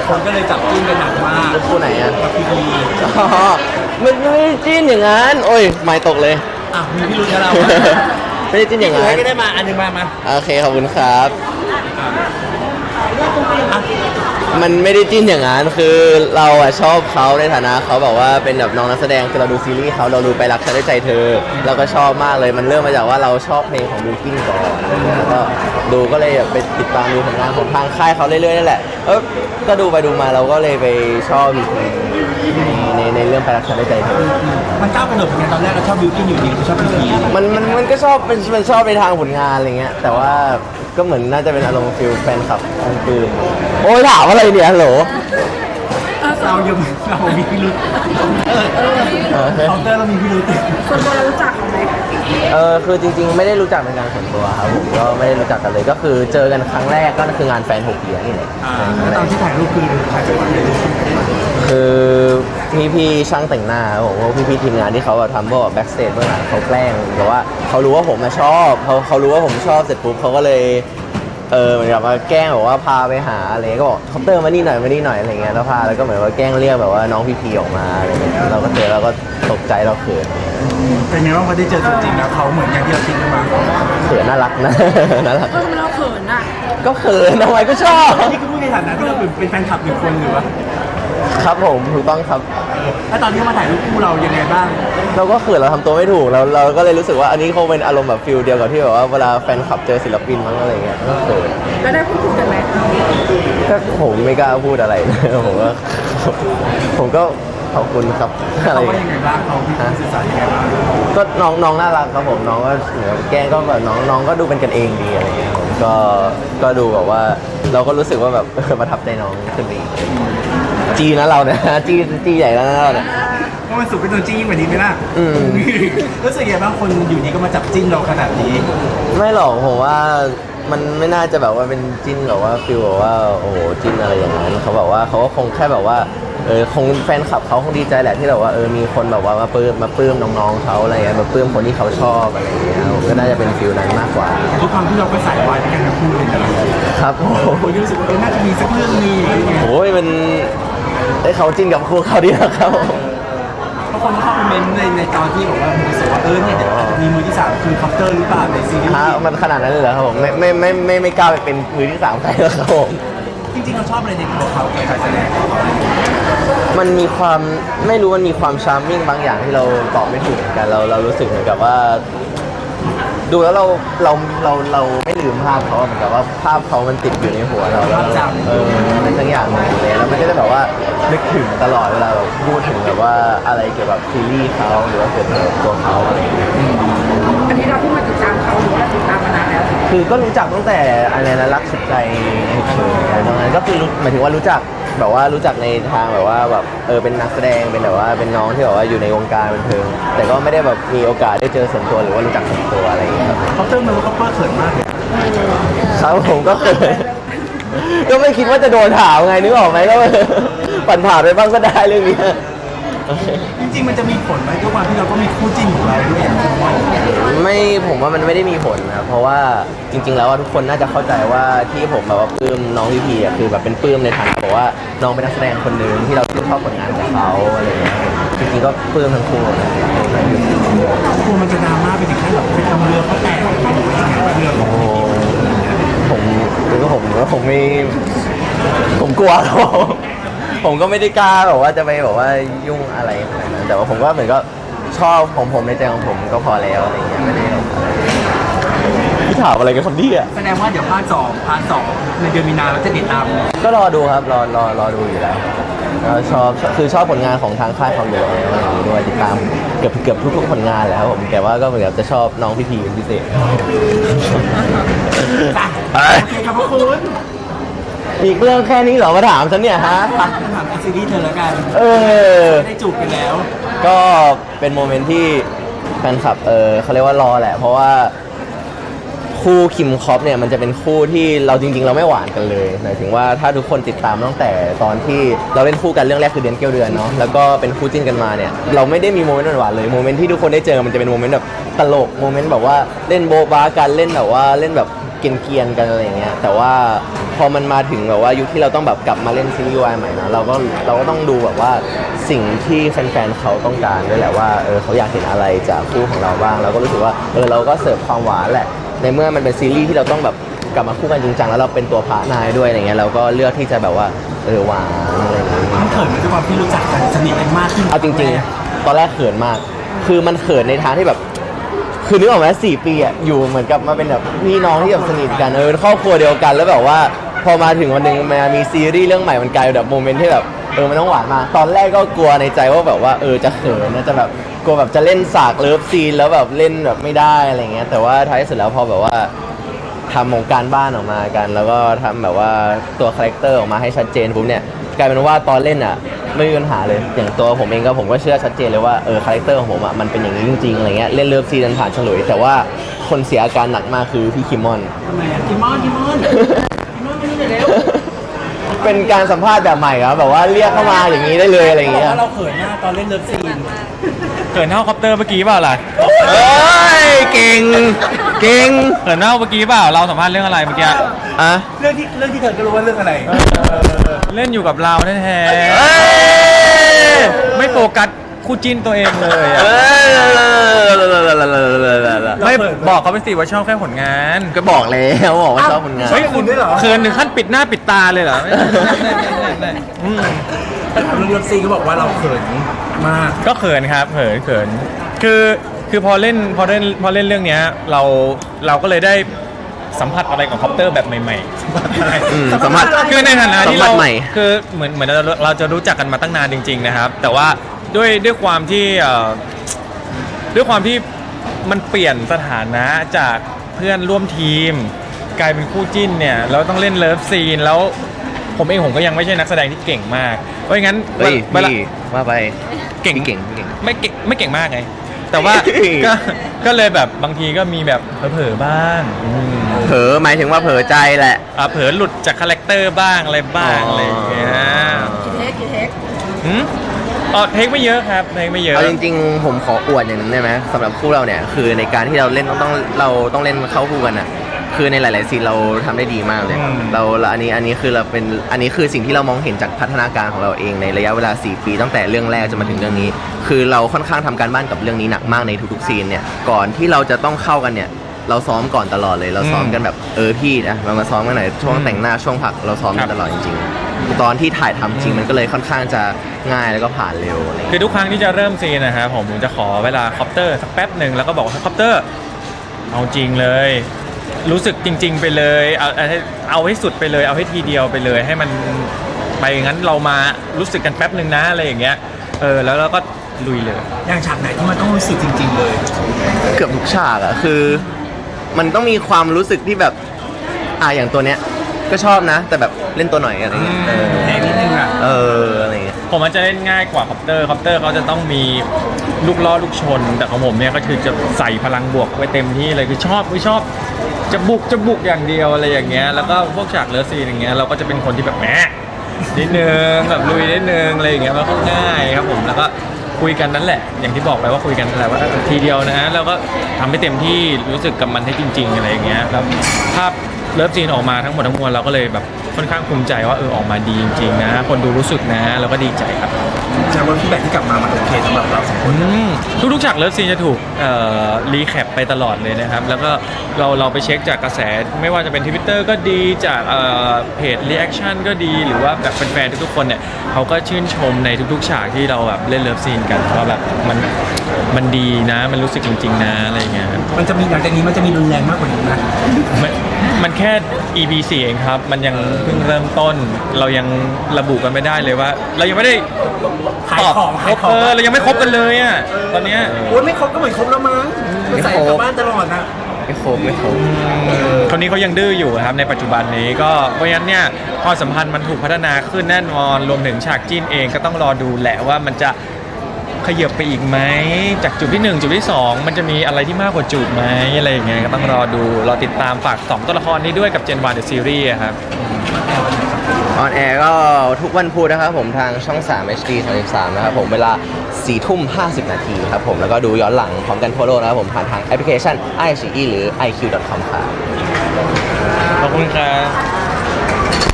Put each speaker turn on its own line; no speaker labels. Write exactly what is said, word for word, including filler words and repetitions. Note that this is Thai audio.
คนก็เลยจับจิ้นกันหนักมาก
คู่ไหนอ่ะ
กับพีพี
อ๋อมันไม่ได้จิ้นอย่างนั้นโอ้ยไม่ตกเลย
อ่ะมีพี่รุ่นกับเรา
ไม่ได้จิ้นอย่างนั้น
ก็ได้มาอันนึงมามา
โอเคขอบคุณครับมันไม่ได้จิ้นอย่างนั้นคือเราอะชอบเขาในฐานะเขาแบบว่าเป็นแบบน้องนักแสดงคือเราดูซีรีส์เขาเราดูไปรักฉันด้วยใจเธอเราก็ชอบมากเลยมันเริ่มมาจากว่าเราชอบเพลงของบิลกิ้นก่อนแล้วก็ดูก็เลยไปติดตามดูผลงานของทางค่ายเขาเรื่อยๆนั่นแหละเออก็ดูไปดูมาเราก็เลยไปชอบอีกในในเรื่องไปรักฉันด้วยใจเธอ
มันก้าวกระโดดเหมือนกันตอนแรกเราชอบบิลกิ้นอยู่ดีเราชอบพีพี
มันมันมันก็ชอบเป็นมันชอบในทางผลงานอะไรเงี้ยแต่ว่าก็เหมือนน่าจะเป็นอารมณ์ฟิลแฟนคลับทางปืนโอ้ยถามอะไรเนี่ยฮัลโหล
เรายังเรามีพิรุธเออเคาน์เตอร์เรามีพิรุธ
ส่วนตัวเรารู้จักเขาไหม
เออคือจริงๆไม่ได้รู้จักเป็นการส่วนตัวครับผมก็ไม่ได้รู้จักกันเลยก็คือเจอกันครั้งแรกก็คืองานแฟนหกเดียนี่แหละ
แล้วตอนที่ถ่ายรูปคือถ่ายไปวันไหน
คือพี่พี่ช่างแต่งหน้าผมว่าพี่พี่ทีมงานที่เขาแบบทำพวกแบ็กสเตจเบื้องหลังเขาแกล้งแต่ว่าเขารู้ว่าผมมาชอบเขาเขารู้ว่าผมชอบเสร็จปุ๊บเขาก็เลยเออเหมือนกับว่าแกล้งแบบว่าพาไปหาอะไรก็บอกคอปเตอร์มานี่หน่อยมานี่หน่อยอะไรเงี้ยแล้วพาแล้วก็เหมือนว่าแกล้งเรียกแบบว่าน้องพี่พีออกมาอะไรเงี้ยเราก็เจอเราก็ตกใจเราเขิน
เป็นไงบ้างพอได้เจอจริงๆแล้วเขาเหมือนอย่างที่เราคิดกันมา
เขินน่ารักนะน่ารัก
เออเราเขินอ่ะ
ก็เขินทำไมก็ชอบ
นี่คือพูดในฐานะที่เราเป็นแฟนคลับหนึ่งคนหรือวะ
ครับผมถูกต้องครับ
แล้วตอนที่มาถ่ายรูปคู่เรายังไงบ้าง
เราก็เขินเราทำตัวไม่ถูกเราเราก็เลยรู้สึกว่าอันนี้คงเป็นอารมณ์แบบฟิลเดียวกับที่แบบว่าเวลาแฟนคลับเจอศิลปินมั้งอะไรเงี้ยก็เขิน
แล้วได้พูดคุยกันไหม
ก็ผมไม่กล้าพูดอะไรผมก็ผมก็ขอบคุณครับ
อะไรยังไงบ้างเขาสื่อสารยังไงบ้าง
ก็น้องน้องน่ารักครับผมน้องก็เหมือนแกล้งก็แบบน้องน้องก็ดูเป็นกันเองดีอะไรเงี้ยผมก็ก็ดูแบบว่าเราก็รู้สึกว่าแบบประทับใจน้องขึ้นดีจีนะเราเนี่ยจีจีใหญ่แล้วนะเราเนี่ย
ก็มันสุดเป็นตัวจียิ่งกว่านี้ไหมล่ะรู้สึกยังไงบ้างคนอยู่ดีก็มาจับจิ้นเราขนาดนี้
ไม่หรอกผมว่ามันไม่น่าจะแบบว่าเป็นจิ้นแบบว่าฟิลแบบว่าโอ้โหจิ้นอะไรอย่างนั้นเขาบอกว่าเขาก็คงแค่แบบว่าเออคงแฟนคลับเขาคงดีใจแหละที่แบบว่าเออมีคนแบบว่ามาปลื้มมาปลื้มน้องๆเขาอะไรเงี้ยมาปลื้มคนที่เขาชอบอะไรอย่างเงี้ยก็น่าจะเป็นฟิลนั้นมากกว่า
ทุกครั้งที่เราไปสายวายด้วยกันทั้งคู่เลย
ครับโอ้
โหรู้สึกว่าน่าจะมีสักเรื่องนี้
โอ้ยมันได้เขาจิ้นกับคู่เขาดีนะครับ
เพราะคนเข้าคอมเมนต์ในในตอนที่บอกว่ารู้สึกว่าเออเนี่ยอาจจะมีมือที่สามคือคอปเตอร์หรือเปล่าในซีรีส์
มันขนาดนั้นเลยเหรอครับผมไม่ไม่ไม่ไม่ไม่กล้าไปเป็นมือที่สามใครแล้วครับผม
จริงๆเราชอบอะไรในตัวเขาในการแสดง
มันมีความไม่รู้มันมีความชาร์มมิ่งบางอย่างที่เราตอบไม่ถูกเหมือนกันเราเรารู้สึกเหมือนกับว่าดูแล้วเราเราเราเราไม่ลืมภาพเขาเหมือนกับว่าภาพเขามันติดอยู่ในหัวเราแล้วเออในทั้งอย่างเลยแล้วมันก็จะแบบว่านึกถึงตลอดเวลาเราพูดถึงแบบว่าอะไรเกี่ยวกับซีรีส์เขาหรือว่าเกี่ยวกับตัวเขาอะไรอย่างเงี้ย
อันนี้เราเพิ่งมาติดตามเขาหรือว่าติดตามมานานแล้ว
คือก็รู้จักตั้งแต่อะไรนะรักสุดใจเฉยๆตรงนั้นก็คือหมายถึงว่ารู้จักแบบว่ารู้จักในทางแบบว่าแบบเออเป็นนักแสดงเป็นแบบว่าเป็นน้องที่แบบว่าอยู่ในวงการบันเทิงแต่ก็ไม่ได้แบบมีโอกาสได้เจอส่วนตัวหรือว่ารู้จักส่วนตัวอะไรอย่างเงี้ยครับ
เขาเติมมันว่าเขาเปิดเขินมากเลย
ครับผมก็เคยก็ไม่คิดว่าจะโดนถามไงนึกออกไหมก็ปั่นผ่านไปบ้างก็ได้เรื่องนี้
จริงๆมันจะมีผลไหมด้วยความที่เราก็มีคู่จิ้นของเราด้วยอย่างที่ว่า
ไม่ผมว่ามันไม่ได้มีผลนะเพราะว่าจริงๆแล้วทุกคนน่าจะเข้าใจว่าที่ผมแบบว่าปลื้มน้องพี่พีอ่ะคือแบบเป็นปลื้มในฐานะบอกว่าน้องเป็นนักแสดงคนหนึ่งที่เราชื่นชอบผลงานของเขาอะไรอย่างเงี้ยจริงๆก็ปลื้มทั้งคู่นะ
กลัวมันจะดราม่าไปถึงขั้นแบบไปทำเรือเขาแตกหรือว่ายังไงเรือของ
ผมคือก็ผมก็ผมไม่ผมกลัวเขาผมก็ไม่ได้กล้าแบบว่าจะไปแบบว่ายุ่งอะไรขนาดนั้นแต่ว่าผมก็เหมือนก็ชอบของผมในใจของผมก็พอแล้วอะไรเงี้ยไม่ได้พี่ถามอะไรกันคนนี้อ่ะ
แสดงว่าเดี๋ยวพาร์ทสองพาร์ทสองในเดือนมีนาเราจะติดตาม
ก็รอดูครับรอรอรอดูอยู่แล้วก็ชอบคือชอบผลงานของทางค่ายเขาอยู่แล้วอะไรอย่างนี้ด้วยติดตามเกือบเกือบทุกๆผลงานแล้วผมแต่ว่าก็เหมือนกับจะชอบน้องพี่พีเป็นพิเศษ
โอเคครับคุณ
อีกเรื่องแค่นี้เหรอมาถามฉันเนี่ยฮะ
ถามซีรีส์เธอแล้วกัน
เออ
ได้จูบกันแล้ว
ก็เป็นโมเมนต์ที่แฟนคลับเออเขาเรียกว่ารอแหละเพราะว่าคู่คิมคอปเนี่ยมันจะเป็นคู่ที่เราจริงๆเราไม่หวานกันเลยหมายถึงว่าถ้าทุกคนติดตามตั้งแต่ตอนที่เราเล่นคู่กันเรื่องแรกคือเดือนเกี้ยวเดือนเนาะแล้วก็เป็นคู่จิ้นกันมาเนี่ยเราไม่ได้มีโมเมนต์หวานเลยโมเมนต์ที่ทุกคนได้เจอมันจะเป็นโมเมนต์แบบตลกโมเมนต์แบบว่าเล่นโบ๊ะบ้ากันเล่นแบบว่าเล่นแบบเกรียนๆกันอะไรอย่างเงี้ยแต่ว่าพอมันมาถึงแบบว่ายุคที่เราต้องแบบกลับมาเล่นซีรีส์วายใหม่นะเราก็เราก็ต้องดูแบบว่าสิ่งที่แฟนๆเขาต้องการด้วยแหละว่าเออเขาอยากเห็นอะไรจากคู่ของเราบ้างเราก็รู้สึกว่าเออเราก็เสิร์ฟความหวานแหละในเมื่อมันเป็นซีรีส์ที่เราต้องแบบกลับมาคู่กันจริงจังแล้วเราเป็นตัวพระนายด้วยอะไรเงี้ยเราก็เลือกที่จะแบบว่าเออหวานอะไรอย่างเงี้ย
มันเขินไหมด้วยความที่รู้จักกันสนิทกันมากขึ้น
เอาจริงๆ ตอนแรกเขินมาก คือมันเขินในทางที่แบบ คือนึกออกไหมสี่ปีอะอยู่เหมือนกับมาเป็นแบบพี่น้องที่แบบสนิทกันเออเป็นครอบครัวเดียวกันแล้วแบบว่า พอมาถึงวันหนึ่งมามีซีรีส์เรื่องใหม่มันกลายเป็นแบบโมเมนต์ที่แบบเออมันต้องหวานมากตอนแรกก็กลัวในใจว่าแบบว่าเออจะเขินนะจะแบบกลัวแบบจะเล่นสากเลิฟซีนแล้วแบบเล่นแบบไม่ได้อะไรเงี้ยแต่ว่าท้ายสุดแล้วพอแบบว่าทำของการบ้านออกมากัน แล้วก็ทำแบบว่าตัวคาแรคเตอร์ออกมาให้ชัดเจนปุ๊บเนี่ยกลายเป็นว่าตอนเล่นอ่ะไม่มีปัญหาเลยอย่างตัวผมเองก็ผมก็เชื่อชัดเจนเลยว่าเออคาแรคเตอร์ของผมอ่ะมันเป็นอย่างนี้จริงๆอะไรเงี้ยเล่นเลิฟซีนผ่านฉลุยแต่ว่าคนเสียอาการหนักมากคือพี่คิมมอน
ทำไมอะกิมมอนกิมมอนกิมมอนไม่ได้เร็ว
เป็นการสัมภาษณ์แบบใหม่ครับแบบว่าเรียกเข้ามาอย่างนี้ได้เลยอะไรอย่างเงี้ย
ว่าเราเขินมากตอนเล่นเลิฟซีน
เขินเท่าคอปเตอร์เมื่อกี้เปล่าล่ะ
เอ้ยเก่งเก่ง
เขินเท่าเมื่อกี้เปล่าเราสัมภาษณ์เรื่องอะไรเมื่อกี้
อ่ะ
เรื่องที่เรื่องที่เธอก็รู้ว่าเรื่องอะไร
เล่นอยู่กับเราแท้
เอ้ย
ๆไม่โฟกัสคู่จิ้นตัวเองเลยอะ
เอ้ย
ไม่บอกเขาไปสิว่าชอบแค่ผลงาน
ก็บอกแล้วบอกว่าชอบผลงาน
เฮ้ยคุณด้วยเหรอ
เขินถึงขั้นปิดหน้าปิดตาเลยเหรอไม่ไม่ไม่ไม่ไม่อืม
แต่ถามเรื่องเลิฟซีนก็บอกว่าเราเขินมาก
ก็เขินครับเขินเขินคือคือพอเล่นพอเล่นพอเล่นเรื่องเนี้ยเราเราก็เลยได้สัมผัสอะไรกับคอปเตอร์แบบใหม่ๆ
อืมสัมผัส
คือในฐานะที่
สั
เรา
มผัสใหม่
คือเหมือนเหมือนเราเราจะรู้จักกันมาตั้งนานจริงๆนะครับ แต่ว่าด้วยด้วยความที่เอ่อด้วยความที่มันเปลี่ยนสถานะจากเพื่อนร่วมทีม กลายเป็นคู่จิ้นเนี่ยเราต้องเล่นเลิฟซีนแล้วผมเองผมก็ยังไม่ใช่นักแสดงที่เก่งมาก เพราะงั้น
เฮ้ย
เวลา
พี่ว่าไป
เก่ง
พี่เก่งพี่เก่ง
ไม่เก่งไม่เก่งมากไง แต่ว่า
เฮ้ย
ก็ก็เลยแบบบางทีก็มีแบบเผลอๆบ้างอืม
เผลอหมายถึงว่าเผลอใจแหละ
อ่ะเผลอหลุดจากคาแรคเตอร์บ้างอะไรบ้าง
อ๋ออ
อะไรอย่างเงี้ย
กี่เทคกี่เทค
หืมอ๋อเทคไม่เยอะครับเทคไม่เยอะ
เอาจริงๆ ผมขออวดอย่างหนึงได้ไหมสำหรับคู่เราเนี่ยคือในการที่เราเล่นต้องต้องเราต้องเล่นเข้าคู่กันอ่ะคือในหลายๆซีนเราทำได้ดีมากเลย
อืม
เราเราอันนี้อันนี้คือเราเป็นอันนี้คือสิ่งที่เรามองเห็นจากพัฒนาการของเราเองในระยะเวลาสี่ปีตั้งแต่เรื่องแรกจนมาถึงเรื่องนี้ คือเราค่อนข้างทำการบ้านกับเรื่องนี้หนักมากในทุกๆซีนเนี่ยก่อนที่เราจะต้องเข้ากันเนี่ยเราซ้อมก่อนตลอดเลยเราซ้อมกันแบบเออพี่นะเรามาซ้อมกันหน่อยช่วงแต่งหน้าช่วงพักเราซ้อมกันตลอดจริงๆตอนที่ถ่ายทำจริงมันก็เลยค่อนข้างจะง่ายแล้วก็ผ่านเร็วอะไรอย่าง
คื
เงี้ย
อทุกครั้งที่จะเริ่มซีนนะฮะผมจะขอเวลาคอปเตอร์สักแป๊บหนึ่งแล้วก็บอกว่าคอปเตอร์เอาจริงเลย รู้สึกจริง ๆ ไปเลยเอาเอาให้เอาให้สุดไปเลยเอาให้ทีเดียวไปเลย ให้มันไปงั้นเรามารู้สึกกันแป๊บหนึ่งนะอะไรอย่างเงี้ยเออแล้วเราก็ลุยเลย
อย่างฉากไหนที่มันต้องรู้สึกจริง ๆ เลย
เกือบทุกฉากอะคือ มันต้องมีความรู้สึกที่แบบอ่ะอย่างตัวเนี้ยก็ชอบนะ แต่แบบเล่นตัวหน่อยอะไรเงี้ยเออ
แรงนิดนึงอ่ะ
เอออะไรเงี้ย
ผมมันจะเล่นง่ายกว่าคอปเตอร์คอปเตอร์เขาจะต้องมีลูกล้อลูกชน แต่ของผมเนี่ยก็คือจะใส่พลังบวกไว้เต็มที่เลยคือชอบไม่ชอบจะบุกจะบุกอย่างเดียวอะไรอย่างเงี้ยแล้วก็พวกฉากเลิฟซีนอย่างเงี้ยเราก็จะเป็นคนที่แบบแหมนิดนึงแบบลุยนิดนึงอะไรอย่างเงี้ยมันก็ง่ายครับผมแล้วก็คุยกันนั่นแหละ อย่างที่บอกไปว่าคุยกันนั่นแหละว่าทีเดียวนะแล้วก็ทำให้เต็มที่รู้สึกกับมันให้จริง ๆอะไรอย่างเงี้ยแล้วภาพเลิฟซีนออกมาทั้งหมดทั้งมวลเราก็เลยแบบค่อนข้างภูมิใจว่าเออออกมาดีจริงๆนะคนดูรู้สึกนะเราก็ดีใจครับ
แสดงว่าฟีดแบ็กที่กลับมามันโอเคสำหรับเราสองคน
อืมทุกๆฉากเลิฟซีนจะถูกเอ่อรีแคปไปตลอดเลยนะครับ แล้วก็เราเราไปเช็คจากกระแสไม่ว่าจะเป็น Twitter ก็ดีจากเอ่อเพจรีแอคชั่นก็ดีหรือว่าแบบแฟนๆทุกๆคนเนี่ยเขาก็ชื่นชมในทุกๆฉากที่เราแบบเล่นเลิฟซีนกันว่าแบบมันมันดีนะมันรู้สึกจริง ๆ นะอะไรอย่างเงี้ยครับ
มันจะมีหลังจากนี้มันจะมีรุนแรงมากกว่านี้นะ
มันมันแค่ อี พี สี่เองครับ มันยังเพิ่งเริ่มต้น เรายังระบุกันไม่ได้เลยว่า เรายังไม่ได้
ขายของ
ค
ขาร ย
บ
ของ
เออเรายังไม่ครบกันเลยอ่ะตอนเนี้ย
โอ้ยไม่ครบก็เหมือนครบแล้วมั้งมันใส่กลับบ้านตลอดนะ
ไม่ครบไม่ครบ
คนนี้เขายังดื้ออยู่ครับในปัจจุบันนี้ก็เพราะฉะนั้นเนี่ยความสัมพันธ์มันถูกพัฒนาขึ้นแน่นอนรวมถึงฉากจิ้นเองก็ต้องรอดูแหละว่ามันจะขยับไปอีกไหมจากจุดที่หนึ่งจุดที่สองมันจะมีอะไรที่มากกว่าจุดไหมอะไรอย่างเงี้ยก็ต้องรอดูรอติดตามฝากสองตัวละครนี้ด้วยกับ Gen วัน The Series อะครับ
ออนแอร์ก็ทุกวันพุธนะครับผมทางช่อง สาม เอช ดี สามสิบสามนะครับผมเวลาสี่ทุ่มห้าสิบนาทีครับผมแล้วก็ดูย้อนหลังพร้อมกันทั่วโลกนะครับผมผ่านทางแอปพลิเคชัน ไอ ซี อี หรือ ไอ คิว ดอท คอม ครับ
ขอบคุณครับ